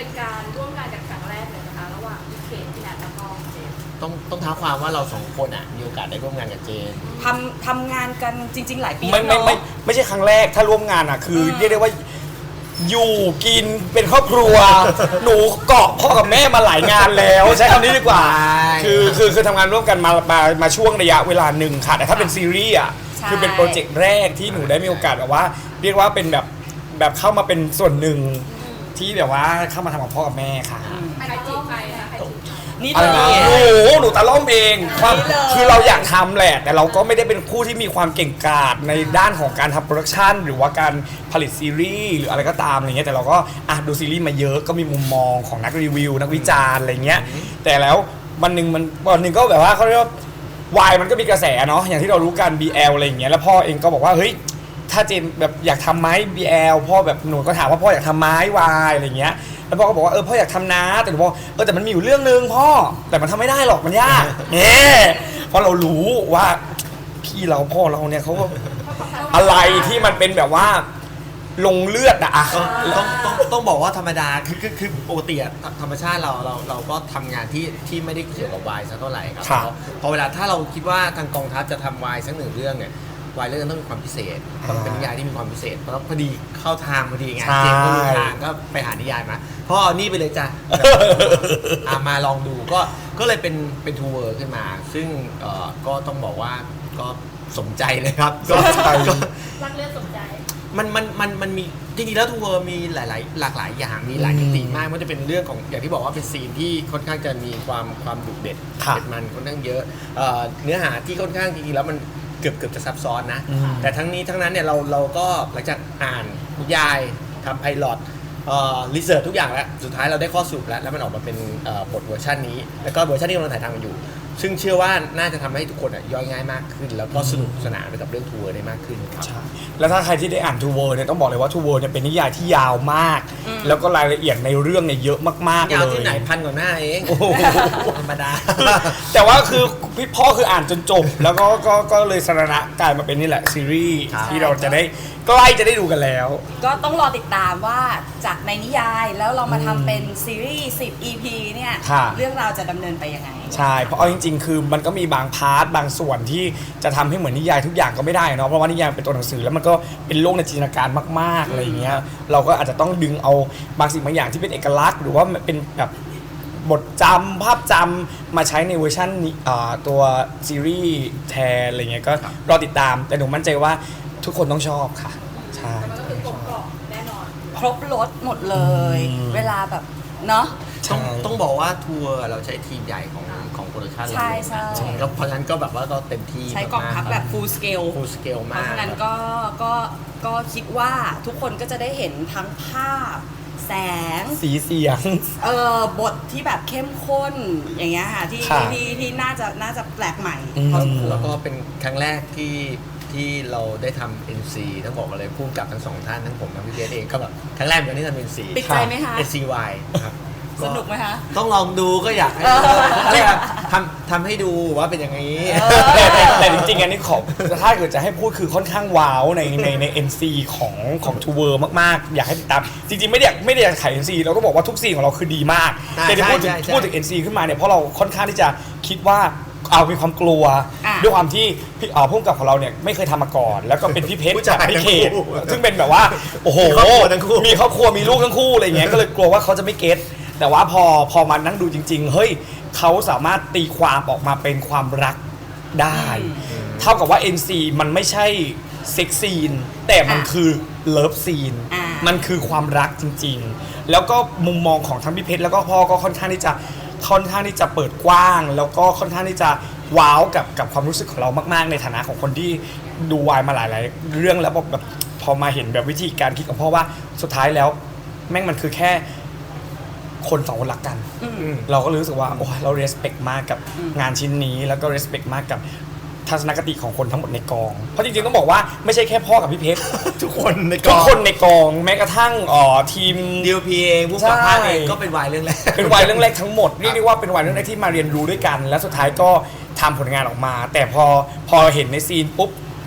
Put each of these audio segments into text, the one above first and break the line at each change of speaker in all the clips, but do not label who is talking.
เป็นการร่วมงานกันครั้งแรกเลยนะคะระหว่างพี่เคนพี่นัทแล้วก็เจมส์
ต้องท้าความว่าเราสองคนอ่ะมีโอกาสได้ร่วมงานกับเจน
ทำงานกันจริงๆหลายปี
ไม่ใช่ครั้งแรกถ้าร่วมงานอ่ะคือเรียกได้ว่าอยู่กินเป็นครอบครัวหนูเกาะพ่อกับแม่มาหลายงานแล้วใช้คำนี้ดีกว่าคือทำงานร่วมกันมาช่วงระยะเวลาหนึ่งค่ะแต่ถ้าเป็นซีรีส์อ่ะคือเป็นโปรเจกต์แรกที่หนูได้มีโอกาสแบบว่าเรียกว่าเป็นแบบเข้ามาเป็นส่วนหนึ่งที่แบบว่าเข้ามาทำกับพ่อกับแม่ค่ะ
ใครจีบใครนะใครจีบ
นี่
หนูตะล่อมเองความคือเราอยากทำแหละแต่เราก็ไม่ได้เป็นผู้ที่มีความเก่งกาจในด้านของการทำโปรดักชันหรือว่าการผลิตซีรีส์หรืออะไรก็ตามอะไรเงี้ยแต่เราก็ดูซีรีส์มาเยอะก็มีมุมมองของนักรีวิวนักวิจารณ์อะไรเงี้ยแต่แล้ววันหนึ่งก็แบบว่าเขาเรียกว่าวายมันก็มีกระแสเนาะอย่างที่เรารู้กัน BL อะไรอย่างเงี้ยแล้วพ่อเองก็บอกว่าเฮ้ยถ้าเจมแบบอยากทำไหม BL พ่อแบบหนูก็ถามว่าพ่ออยากทำไหมวายอะไรเงี้ยแล้วพ่อก็บอกว่าพ่ออยากทำนะแต่หนูบอกแต่มันมีอยู่เรื่องนึงพ่อแต่มันทำไม่ได้หรอกมันยากเนี่ยเพราะเรารู้ว่าพี่เราพ่อเราเนี่ยเขาอะไรที่มันเป็นแบบว่าลงเลือดอะ
ต้องบอกว่าธรรมดาคือปกติธรรมชาติเราก็ทำงานที่ไม่ได้เกี่ยวกับวายสักเท่าไหร่ครับพอเวลาถ้าเราคิดว่าทางกองทัพจะทำวายสักหนึ่งเรื่องเนี่ยวายเรื่องต้องมีความพิเศษต้องเป็นนิยายที่มีความพิเศษเพราะพอดีเข้าทางพอดีไงเจมส์ก็รู้ทางก็ไปหานิยายมาพ่อนี่ไปเลยจ้ะมาลองดูก็เลยเป็นทัวร์ขึ้นมาซึ่งก็ต้องบอกว่าก็สมใจเลยครับก็
รักเลือดสมใจ
มันมีจริงๆแล้วทัวร์มีหลากหลายอย่างมีหลายมิติมากมันจะเป็นเรื่องของอย่างที่บอกว่าเป็นซีนที่ค่อนข้างจะมีความดุเด็ดมันค่อนข้างเยอะเนื้อหาที่ค่อนข้างจริงๆแล้วมันเกือบจะซับซ้อนนะแต่ทั้งนี้ทั้งนั้นเนี่ยเราก็หลังจากอ่านนิยายทำไพลอตรีเสิร์ชทุกอย่างแล้วสุดท้ายเราได้ข้อสรุปแล้วมันออกมาเป็นบทเวอร์ชันนี้แล้วก็เวอร์ชันที่กำลังถ่ายทำกันอยู่ซึ่งเชื่อว่าน่าจะทำให้ทุกคนย่อยง่ายมากขึ้นแล้วก็สนุกสนานไปกับเรื่องทัวร์ได้มากขึ้นครับ
แล้วถ้าใครที่ได้อ่านทูเวิร์เนี่ยต้องบอกเลยว่าทูเวิร์เนี่ยเป็นนิยายที่ยาวมากแล้วก็รายละเอียดในเรื่องเนี่ยเยอะมากๆเลย
ยาวที่ไหน1,000 กว่าหน้าเองธรรมดา
แต่ว่าคือพี่พ่อคืออ่านจนจบแล้วก็เลยสรณะกลายมาเป็นนี่แหละซีรีส์ที่เราจะได้ใกล้จะได้ดูกันแล้ว
ก็ต้องรอติดตามว่าจากในนิยายแล้วเรามาทำเป็นซีรีส์10 EP เนี่ยเรื่องราวจะดำเนินไปยังไง
ใช่เพราะเอาจริงๆคือมันก็มีบางพาร์ทบางส่วนที่จะทำให้เหมือนนิยายทุกอย่างก็ไม่ได้เนาะเพราะว่านิยายเป็นตัวหนังสือแล้วมันก็เป็นโลกในจินตนาการมากๆอะไรอย่างเงี้ยเราก็อาจจะต้องดึงเอาบางสิ่งบางอย่างที่เป็นเอกลักษณ์หรือว่าเป็นแบบบทจำภาพจำมาใช้ในเวอร์ชันตัวซีรีส์แทนอะไรเงี้ยก็รอติดตามแต่หนูมั่นใจว่าทุกคนต้องชอบค่ะใช่
มันก็คือกลมกล่อมแน่นอน
ครบรสหมดเลยเวลาแบบเนาะ
ต้องบอกว่าทัวร์เราใช้ทีมใหญ่ของโปรดักชั่นเราแล้วเพราะฉะนั้นก็แบบว่าก็เต็มที่
ใช้กองทัพแบบ full scale
มาก
เพราะฉะนั้นก็คิดว่าทุกคนก็จะได้เห็นทั้งภาพแสง
สีเสียง
บทที่แบบเข้มข้นอย่างเงี้ยค่ะที่น่าจะแปลกใหม่
แล้วก็เป็นครั้งแรกที่เราได้ทำ NC ต้องบอกเลยพุ่งกับทั้งสองท่านทั้งผมทั้งพี่เจเองก็แบบครั้งแรกเหมือนที่ทำ NC
ติดใจไหมคะ
NCY ครับ
สนุกไหมคะ
ต้องลองดูก็อยากให้ทำให้ดูว่าเป็นอย่างนี้
แต่จริงๆอันนี้ถ้าเกิดจะให้พูดคือค่อนข้างว้าวใน NC ของทูเวิร์มากๆอยากให้ติดตามจริงๆไม่ได้ขาย NC เราก็บอกว่าทุกซีนของเราคือดีมากแต่ที่พูดถึง NC ขึ้นมาเนี่ยเพราะเราค่อนข้างที่จะคิดว่ามีความกลัวด้วยความที่ผู้กำกับของเราเนี่ยไม่เคยทำมาก่อนแล้วก็เป็นพี่เพชรกับพี่เขตซึ่งเป็นแบบว่าโอ้โหมีครอบครัวมีลูกทั้งคู่อะไรเงี้ยก็เลยกลัวว่าเขาจะไม่เก็ตแต่ว่าพอมานั่งดูจริงๆเฮ้ยเขาสามารถตีความออกมาเป็นความรักได้เท่ากับว่า NC มันไม่ใช่เซ็กซีนแต่มันคือเลิฟซีนมันคือความรักจริงๆแล้วก็มุมมองของทั้งพี่เพชรแล้วก็พ่อก็ค่อนข้างที่จะเปิดกว้างแล้วก็ค่อนข้างที่จะว้าวกับความรู้สึกของเรามากๆในฐานะของคนที่ดูวายมาหลายๆเรื่องแล้วแบบพอมาเห็นแบบวิธีการคิดของพ่อว่าสุดท้ายแล้วแม่งมันคือแค่คนสองคนรักกันเราก็รู้สึกว่าโอ้เรา respect มากกับงานชิ้นนี้แล้วก็ respect มากกับทัศนคติของคนทั้งหมดในกองเพราะจริงๆต้องบอกว่าไม่ใช่แค่พ่อกับพี่เพชร
ทุกคนใน
กองแม้กระทั่งทีม
DOP เองผู้กำกับเองก็เป็นวายเรื่องแรก
ทั้งหมดเรียกได้ว่าเป็นวายเรื่องแรกที่มาเรียนรู้ด้วยกันและสุดท้ายก็ทำผลงานออกมาแต่พอเห็นในซีนปุ๊บ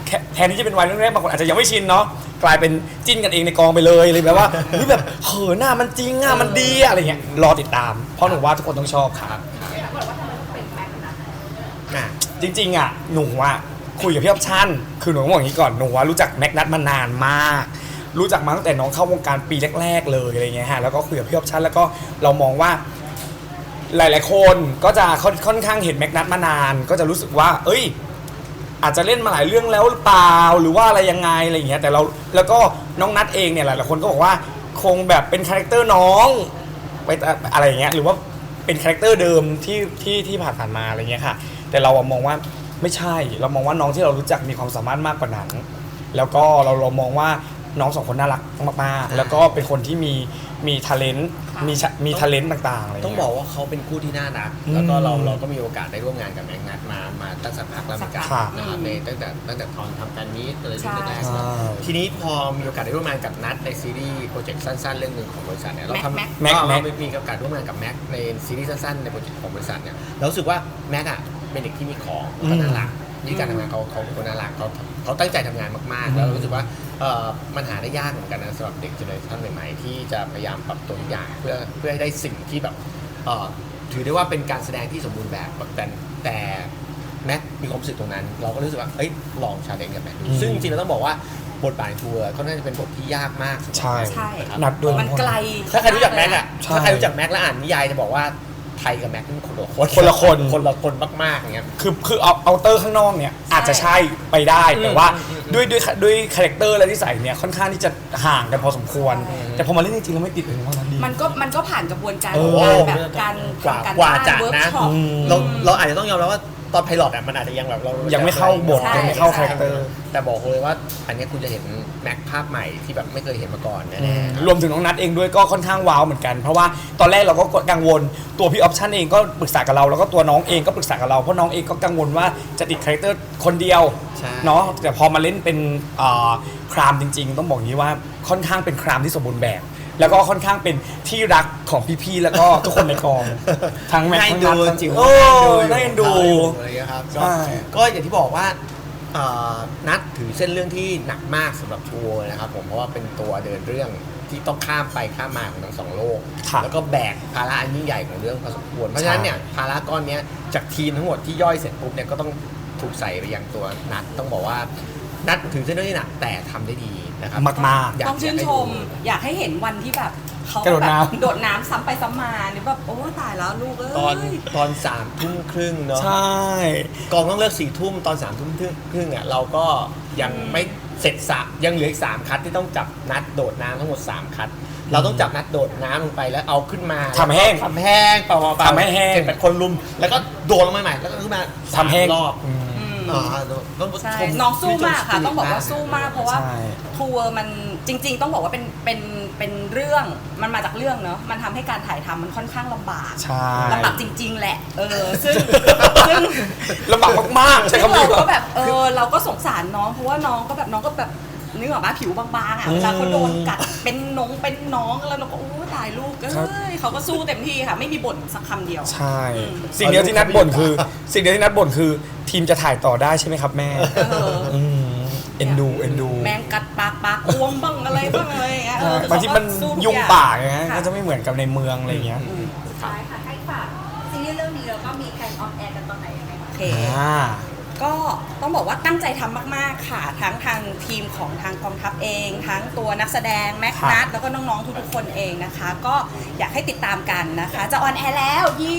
แทนที่จะเป็นวัยเรื่องแรกบางคนอาจจะยังไม่ชินเนาะกลายเป็นจิ้นกันเองในกองไปเลยเลยแบบว่าเฮ้ยแบบเขินหน้ามันจริงอ่ะมันดีอะอะไรเงี้ยรอติดตามเพราะหนูว่าทุกคนต้องชอบครับ
อยากบอกว่าทำไมต้องเป็นแม็กซ์นะ
อ่ะ
จริงๆอ่ะหนูอ่ะคุยกับพี่ออปชั่นคือหนูต้องบอกอย่างนี้ก่อนหนูว่ารู้จักแม็กนัทมานานมาก รู้จักมาตั้งแต่น้องเข้าวงการปีแรกๆเลยอะไรเงี้ยฮะแล้วก็คุยกับพี่ออปชั่นแล้วก็เรามองว่าหลายๆคนก็จะค่อนข้างเห็นแม็กนัทมานาน ก็จะรู้สึกว่าเอ้ยอาจจะเล่นมาหลายเรื่องแล้วหรือเปล่าหรือว่าอะไรยังไงอะไรเงี้ยแต่เราแล้วก็น้องนัทเองเนี่ยหลายๆคนก็บอกว่าคงแบบเป็นคาแรคเตอร์น้องไปอะไรอย่างเงี้ยหรือว่าเป็นคาแรคเตอร์เดิมที่ผ่านมาอะไรเงี้ยค่ะแต่เรามองว่าไม่ใช่เรามองว่าน้องที่เรารู้จักมีความสามารถมากกว่านั้นแล้วก็เรามองว่าน้องสองคนน่ารักมากๆแล้วก็เป็นคนที่มีทาเลนต์มีทาเลนต์ต่างๆอะไร
ต้อง
เงี้ย
บอกว่าเขาเป็นคู่ที่น่ารัก
อืม
แล้วก็เราก็มีโอกาสได้ร่วมงานกับแม็กนัทมาตั้งสักพักแล้วเหมือนกัน
ค่ะ
นะครับในตั้งแต่ตอนทำการนี้อะไร
ใช่
แรก
ใช่
ๆทีนี้พอมีโอกาสได้ร่วมงานกับนัทในซีรีส์โปรเจกต์สั้นๆเรื่องหนึ่งของบริษัทเนี่ยเราทำ
แม็ก
เรามีโอกาสร่วมงานกับแม็กในซีรีส์สั้นๆในโปรเจกต์ของบริษัทเนี่ยเรารู้สึกว่าแม็กอ่ะเป็นเด็กที่มีของแล้วก็น่ารักนี่การทำงานเขาเป็นคนน่ารักเขาตั้งใจทำงานมากๆ แล้วเรารู้สึกว่ามันหาได้ยากเหมือนกันนะสำหรับเด็กเจเนอเรชันใหม่ๆที่จะพยายามปรับตัวทุกอย่างเพื่อให้ได้สิ่งที่แบบถือได้ว่าเป็นการแสดงที่สมบูรณ์แบบแต่แม็กมีความรู้สึกตรงนั้น เราก็รู้สึกว่าเอ้ยลองชาเลนจ์กับแม็กซึ่งจริงๆเราต้องบอกว่าบทบาททัวร์ก็น่าจะเป็นบทที่ยากมากสำหรับ
ใช่
แม็ก
ใช่
นะครับ
นัดด้วย
มันไกล
ถ้าใครรู้จักแม็กอะ
ใช่
ถ้าใครรู้จักแม็กแล้วอ่านนิยายจะบอกว่าไทยกับแม็กเป็นคนละคน
คนละคน
คนละคนมากๆอย่างเงี้ย
คือเอาเตอร์ข้างนอกเนี่ยอาจจะใช่ไปได้แต่ว่าด้วยคาแรคเตอร์และนิสัยเนี่ยค่อนข้างที่จะห่างกันพอสมควร แต่พอมาเล่นจริงๆแล้วไม่ติดเลยว่ามันดี
มันก็ผ่านกระบวนการ
เอ
ข
อ
องการแบบการทำการ
กว่า
บ้าน
จะ
เวิร์ก
นะ
ช็อป
เราอาจจะต้องยอมรับว่าตอนไพลอตอะมันอาจจะยังแบบเรา
ยังไม่เข้าบท
ใช่
ยังไม่เข้าคาแรคเตอร์
แต่บอกเลยว่าอันนี้คุณจะเห็นแม็กภาพใหม่ที่แบบไม่เคยเห็นมาก่อนแน่ๆ
รวมถึงน้องนัทเองด้วยก็ค่อนข้างว้าวเหมือนกัน เพราะว่าตอนแรกเราก็กังวลตัวพี่ออปชั่นเองก็ปรึกษากับเราแล้วก็ตัวน้องเองก็ปรึกษากับเราเพราะน้องเองก็กังวลว่าจะติดคาแรคเตอร์คนเดียว
ใช่
เนาะแต่พอมาเล่นเป็นครามจริงๆ ต้องบอกอย่างนี้ว่าค่อนข้างเป็นครามที่สมบูรณ์แบบ แล้วก็ค่อนข้างเป็นที่รักของพี่ๆแล้วก็ทุกคนในกอง ทั้งแม็กซ์ทั้งนัททั้งจิ๋ว
โอ้
น่าเอ็นดู
อะไรอย่างเงี้ยครับ
ใช่
ก็อย่างที่บอกว่านัดถือเส้นเรื่องที่หนักมากสำหรับทัวร์นะครับผมเพราะว่าเป็นตัวเดินเรื่องที่ต้องข้ามไปข้ามมาของทั้งสองโลก
ค่ะ
แล้วก็แบกภาระอันยิ่งใหญ่ของเรื่องพอสมควรเพราะฉะนั้นเนี่ยภาระก้อนเนี้ยจากทีมทั้งหมดที่ย่อยเสร็จปุ๊บเนี่ยก็ต้องถูกใส่ไปยังตัวนัดต้องบอกว่านัดถือเส้นเรื่องที่หนักแต่ทำได้ดีนะครับ
มากๆ
ต้องชื่นชม อยากให้เห็นวันที่แบบเขา
กระโดด
แบบ
น้ำ
โดดน้ำซ้ำไปซ้ำมาหรือแบบโอ้ตายแล้วลูกเอ้ย
ตอน3:30เนาะ
ใช่
กองต้องเลิก4 ทุ่มตอน3 ทุ่มอ่ะเราก็ยังไม่เสร็จยังเหลืออีก3 คัดที่ต้องจับนัดโดดน้ำทั้งหมด3 คัด เราต้องจับนัดโดดน้ำลงไปแล้วเอาขึ้นมา
ทำแห้ง
ทำแห้งเปล่าๆ
ทำให้แห้ง
7-8 คนลุม แล้วก็โดดลงมาใหม่แล้วก็ขึ้นมา
ทำแห้ง
รอบ
อืม
ต้อง
ใช่
ชม
น้องสู้มากค่ะ
ชื่นช
ต้องบอกว่าสู้มากเพราะว่า
ใช่
ทัวร์มันจริง ๆ ต้องบอกว่าเป็นเรื่องมันมาจากเรื่องเนอะมันทำให้การถ่ายทำมันค่อนข้างลำบาก
ใช่
ลำบากจริง ๆ แหละซึ่ง
ลำบากมากๆใช่
ซึ่ง
คำนี้
เรา
ว่า
ก็แบบเราก็สงสารน้องเพราะว่าน้องก็แบบนึกออกมาผิวบางๆอ่ะเวลาเขาโดนกัดเป็นน้องแล้วเราก็โอ้ตายลูกเอ้ยเขาก็สู้เต็มที่ค่ะไม่มีบ่นสักคำเดียว
ใช่ สิ่งเดียวที่นัดบ่นคือ สิ่งเดียวที่นัดบ่นคือ ทีมจะถ่ายต่อได้ใช่ไหมครับแม่
เออ
เอ็นดู
แมงกัดปากบวมบ้างอะไรบ้างอะไรอย่างเงี้ย
บางทีมัน
เขาก็สู้ทุก
ยุ่ง
อ
ป่าไงฮะ
ค่
ก็จะไม่เหมือนกับในเมืองอะไรเงี้ย
สุดท้ายค่ะให้ฝากซีรีส์เรื่องนี้แล้วก็มีแพลนออนแอร์กันตอนไหนยังไงบ้าง
โอเค ก็ต้องบอกว่าตั้งใจทำมากๆค่ะ ทั้งทางทีมของทางกองทัพเอง ทั้งตัวนักแสดงแม็กนัทแล้วก็น้องๆทุกๆคนเองนะคะ ก็อยากให้ติดตามกันนะคะ จะออนแอร์แล้ว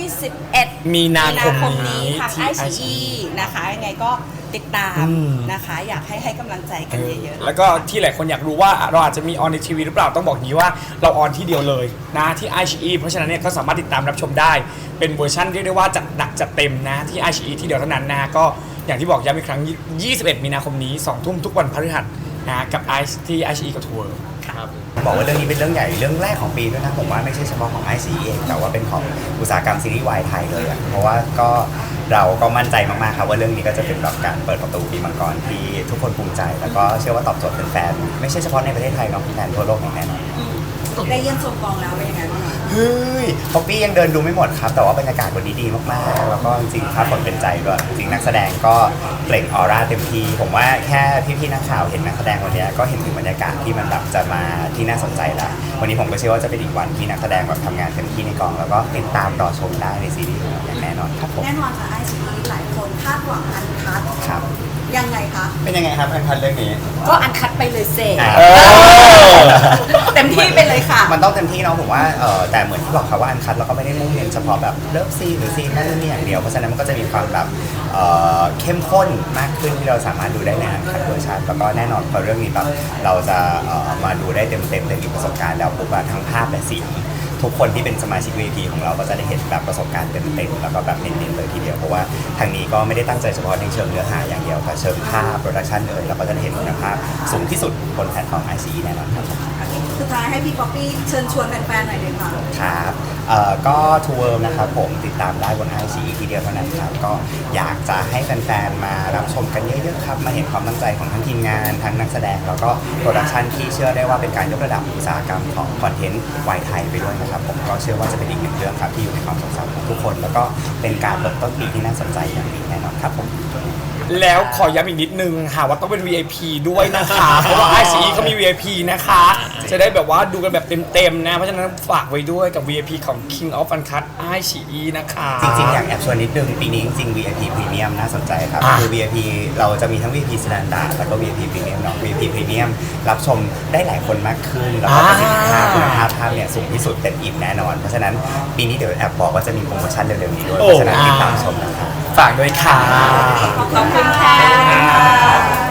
21
มีนาคม
นี้
นี้
ทาง
ที่
ICE นะคะยังไงก็ติดตาม
อืม
นะคะ อยากให้กำลังใจกันเยอะๆ
แล้วก็ที่หลายคนอยากรู้ว่าเราอาจจะมีออนในทีวีหรือเปล่าต้องบอกอย่างนี้ว่าเราออนที่เดียวเลยนะที่ iQIYI เพราะฉะนั้นเนี่ยก็สามารถติดตามรับชมได้เป็นเวอร์ชันเรียกได้ว่าจัดหนักจัดเต็มนะที่ iQIYI ที่เดียวเท่านั้นนะก็อย่างที่บอกย้ำอีกครั้ง 21 มีนาคมนี้ 2 ทุ่มทุกวันพฤหัสนะกับ ที่ iQIYI กับทัวร์
ครับ
บอกว่าเรื่องนี้เป็นเรื่องใหญ่เรื่องแรกของปีด้วยนะผมว่าไม่ใช่เฉพาะของไอซีเองแต่ว่าเป็นของอุตสาหกรรมซีรีส์วายไทยเลยอะเพราะว่าก็เราก็มั่นใจมากๆครับว่าเรื่องนี้ก็จะเป็นแบบการเปิดประตูปีมังกรที่ทุกคนภูมิใจ แล้วก็เชื่อว่าตอบโจทย์แฟนๆไม่ใช่เฉพาะในประเทศไทยเนาะแฟนทั่วโลกอย่างแน่นอน
ได้เยี่ยมชมกองแล้วเป็นยังไงบ้างคะ
เฮ้ยป๊อปปี้ยังเดินดูไม่หมดครับ แต่ว่าบรรยากาศวันนี้ดีมากๆ แล้วก็จริงๆถ้าผลเป็นใจด้วยจริงๆนักแสดงก็เปล่งออร่าเต็มที่ผมว่าแค่พี่ๆนักข่าวเห็นนักแสดงวันนี้ก็เห็นถึงบรรยากาศที่มันแบบจะมาที่น่าสนใจแล้ววันนี้ผมก็เชื่อว่าจะเป็นอีกวันที่นักแสดงแบบทำงานเต็มที่ในกองแล้วก็ติดตามรอชมได้ในซีรีส์ของเราอย่างแน่นอนครับผม
แน่นอนค่ะไอซีหลายคนคาดหวังอันคัด
ครับ
ยังไงคะ
เป็นยังไงครับอันพันเรื่องนี้
ก็อันคัดไปเลยเซ
เออ
เต็มที่ไปเลยค่ะ
มันต้องเต็มที่เนาะผมว่าแต่เหมือนที่บอกครับว่าอันคัดเราก็ไม่ได้มุ่งเน้นเฉพาะแบบเลิฟซีนหรือซีนนั่นนี่อย่างเดียวเพราะฉะนั้นมันก็จะมีความแบบเข้มข้นมากขึ้นที่เราสามารถดูได้ในอันคัดเวอร์ชันแล้วก็แน่นอนพอเรื่องนี้แบบเราจะมาดูได้เต็มอีกประสบการณ์แล้วปุ๊บว่าทั้งภาพและเสียงทุกคนที่เป็นสมาชิก VIP ของเราก็จะได้เห็นแบบประสบการณ์เต็มแล้วก็แบบเน้นๆเลยทีเดียวเพราะว่าทางนี้ก็ไม่ได้ตั้งใจเฉพาะในเชิงเนื้อหาอย่างเดียวแต่เชิงภาพโปรดักชันเราก็จะได้เห็นคุณภาพสูงที่สุดบนแพลตฟอร์ม ICE แน่นอนครับ
สุดท้ายให้พี่ป๊อปปี้เชิญชวนแฟนๆหน่อยเลยค่ะ
ครับก็ทัวร์นะครับผมติดตามได้บน ICE ทีเดียวเท่านั้นครับก็อยากจะให้แฟนๆมารับชมกันเยอะๆครับมาเห็นความตั้งใจของทั้งทีมงานทั้งนักแสดงแล้วก็โปรดักชันที่เชื่อได้ว่าเป็นการยกระดับอุตสาหกรรมของคอนเทนต์วายไทยไปด้วยนะครับผมก็เชื่อว่าจะเป็นอีกหนึ่งเรื่องครับที่อยู่ในความทรงจำของทุกคน แล้วก็เป็นการเปิดต้นปีที่น่าสนใจอย่างนี้แน่นอนครับผม
แล้วขอย้ำอีกนิดนึงค่ะว่าต้องเป็น VIP ด้วยนะคะ เพราะว่า ICE เขามี VIP นะคะ จะได้แบบว่าดูกันแบบเต็มๆนะ เพราะฉะนั้นฝากไว้ด้วยกับ VIP ของ King of Uncut ICE นะคะ
จริงๆ อยากแอบชวนนิดนึงปีนี้จริงๆ VIP Premium น่าสนใจครับ
อ่ะ
คือ VIP เราจะมีทั้ง VIP Standard แล้วก็ VIP Premium เนาะ VIP Premium รับชมได้หลายคนมากขึ้น แล้วก็ประสิทธิภาพคุณภาพภาพเนี่ยสูงที่สุดเต็มอิ่มแน่นอน เพราะฉะนั้นปีนี้เดี๋ยวแอบบอกว่าจะมีโปรโมชั่นเร็วๆนี้ด้วยเพราะฉะนั้นติดตามชมนะครับ
ฝากด้วยค่ะ
ขอบคุณค่ะ